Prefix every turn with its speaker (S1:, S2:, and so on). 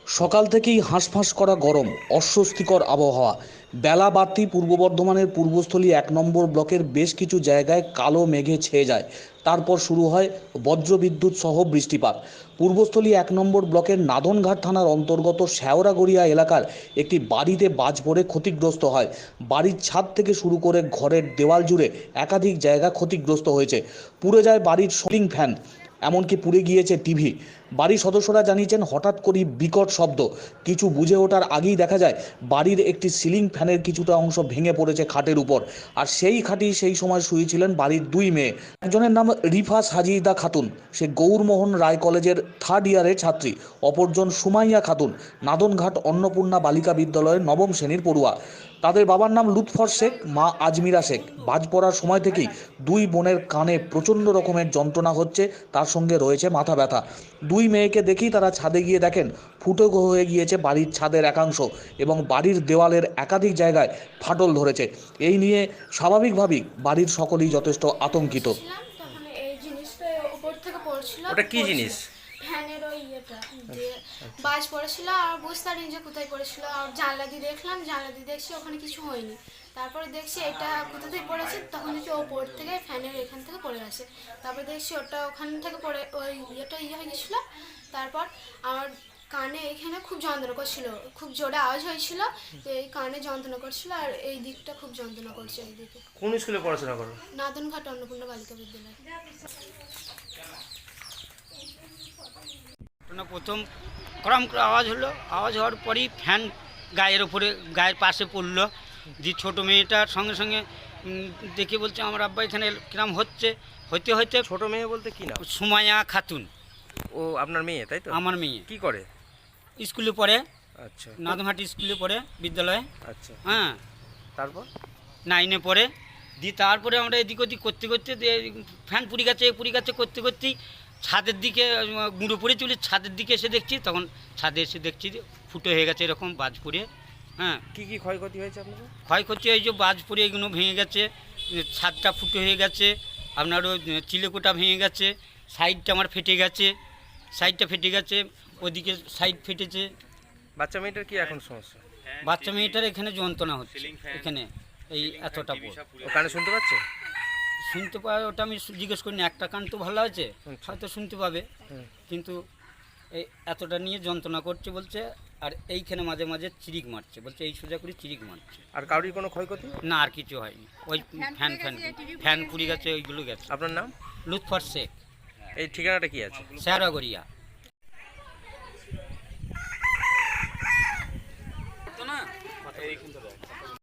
S1: সকাল থেকেই হাঁসফাঁস করা গরম, অস্বস্তিকর আবহাওয়া। বেলা বাড়তেই পূর্ব বর্ধমানের পূর্বস্থলী ১ নম্বর ব্লকের বেশ কিছু জায়গায় কালো মেঘে ছেয়ে যায়। তারপর শুরু হয় বজ্রবিদ্যুৎ সহ বৃষ্টিপাত। পূর্বস্থলী ১ নম্বর ব্লকের নাদনঘাট থানার অন্তর্গত শেওড়াগড়িয়া এলাকার একটি বাড়িতে বাজ পড়ে ক্ষতিগ্রস্ত হয়। বাড়ির ছাদ থেকে শুরু করে ঘরের দেওয়াল জুড়ে একাধিক জায়গা ক্ষতিগ্রস্ত হয়েছে। পুড়ে যায় বাড়ির সিলিং ফ্যান, এমনকি পুড়ে গিয়েছে টিভি। বাড়ির সদস্যরা জানিয়েছেন হঠাৎ করেই বিকট শব্দ। কিছু বুঝে ওঠার আগেই দেখা যায় বাড়ির একটি সিলিং ফ্যানের কিছুটা অংশ ভেঙে পড়েছে খাটের উপর। আর সেই খাটেই সেই সময় শুয়েছিলেন বাড়ির দুই মেয়ে। একজনের নাম রিফা সাজিদা খাতুন, সে গৌরমোহন রায় কলেজের 3rd ইয়ারের ছাত্রী। অপরজন সুমাইয়া খাতুন, নাদনঘাট অন্নপূর্ণা বালিকা বিদ্যালয়ের 9ম শ্রেণীর পড়ুয়া। তাদের বাবার নাম লুৎফর শেখ, মা আজমিরা শেখ। বাজ পড়ার সময় থেকেই দুই বোনের কানে প্রচণ্ড রকমের যন্ত্রণা হচ্ছে, তার সঙ্গে রয়েছে মাথা ব্যথা। দুই মেয়েকে দেখেই তারা ছাদে গিয়ে দেখেন ফুটো হয়ে গিয়েছে বাড়ির ছাদের একাংশ এবং বাড়ির দেওয়ালের একাধিক জায়গায় ফাটল ধরেছে। এই নিয়ে স্বাভাবিকভাবেই বাড়ির সকলেই যথেষ্ট আতঙ্কিত।
S2: তখন এই জিনিসটা উপর থেকে পড়ছিল।
S3: ওটা কি জিনিস?
S2: ফ্যানের ওই ইয়েটা দিয়ে বাজ পড়েছিল আর বুঝতে পারিনি যে কোথায় পড়েছিল। আর জানলা দিয়ে দেখলাম, জানলা দিয়ে দেখছি ওখানে কিছু হয়নি। তারপরে দেখছি এটা কোথা থেকে পড়েছে, তখন দেখছি ওপর থেকে ফ্যানের এখান থেকে পড়ে গেছে। তারপরে দেখছি ওটা ওখান থেকে পড়ে ওই ইয়েটা হয়ে গেছিলো। তারপর আমার কানে এখানে খুব যন্ত্রণা করছিল, খুব জোরে আওয়াজ হয়েছিল, এই কানে যন্ত্রণা করছিল আর এই দিকটা খুব যন্ত্রণা করছে। এই দিকে
S3: কোন স্কুলে পড়াশোনা করো?
S2: নাদনঘাট অন্নপূর্ণা বালিকা বিদ্যালয়।
S4: প্রথম করম করে আওয়াজ হলো, আওয়াজ হওয়ার পরই ফ্যান গায়ের পাশে পড়লো। যে ছোটো মেয়েটার সঙ্গে সঙ্গে দেখে বলছে আমার আব্বা এখানে কিরম হচ্ছে। হইতে হইতে
S3: ছোট মেয়ে বলতে কি নাম?
S4: সুমাইয়া খাতুন।
S3: ও আপনার মেয়ে, তাই তো?
S4: আমার মেয়ে
S3: কি করে?
S4: স্কুলে পড়ে,
S3: আচ্ছা
S4: নাদনঘাট স্কুলে পড়ে বিদ্যালয়ে।
S3: আচ্ছা,
S4: হ্যাঁ,
S3: তারপর
S4: 9-এ পড়ে। দিয়ে তারপরে আমরা এদিক ওদিক করতে করতে ফ্যান পুড়ে গেছে করতে করতেই ছাদের দিকে গুঁড়ো পড়ে চলে, ছাদের দিকে এসে দেখছি, তখন ছাদে এসে দেখছি যে ফুটো হয়ে গেছে এরকম বাজ পড়ে। হ্যাঁ,
S3: কি কি ক্ষয়ক্ষতি হয়েছে আপনাদের?
S4: ক্ষয়ক্ষতি এই যে বাজ পড়ে এগুলো ভেঙে গেছে, ছাদটা ফুটো হয়ে গেছে, আপনারও চিলেকোটা ভেঙে গেছে, সাইডটা আমার ফেটে গেছে, সাইডটা ফেটে গেছে, ওদিকে সাইড ফেটেছে।
S3: বাচ্চা মেয়েটার কি এখন সমস্যা?
S4: বাচ্চা মেয়েটার এখানে যন্ত্রণা হচ্ছে, এখানে এই এতটা
S3: ও কানে শুনতে পাচ্ছে?
S4: শুনতে পাবে, ওটা আমি জিজ্ঞেস করিনি। একটা কান তো ভালো আছে, হয়তো শুনতে পাবে, কিন্তু এই এতটা নিয়ে যন্ত্রণা করছে বলছে। আর এইখানে মাঝে মাঝে চিরিক মারছে, বলছে এই সোজা করে চিরিক মারছে।
S3: আর কারোর কোনো ক্ষয়ক্ষতি?
S4: না, আর কিছু হয়নি। ওই ফ্যান পুড়ে গেছে, ওইগুলো গেছে।
S3: আপনার নাম?
S4: লুৎফর শেখ।
S3: এই ঠিকানাটা কি আছে?
S4: শেওড়াগড়িয়া।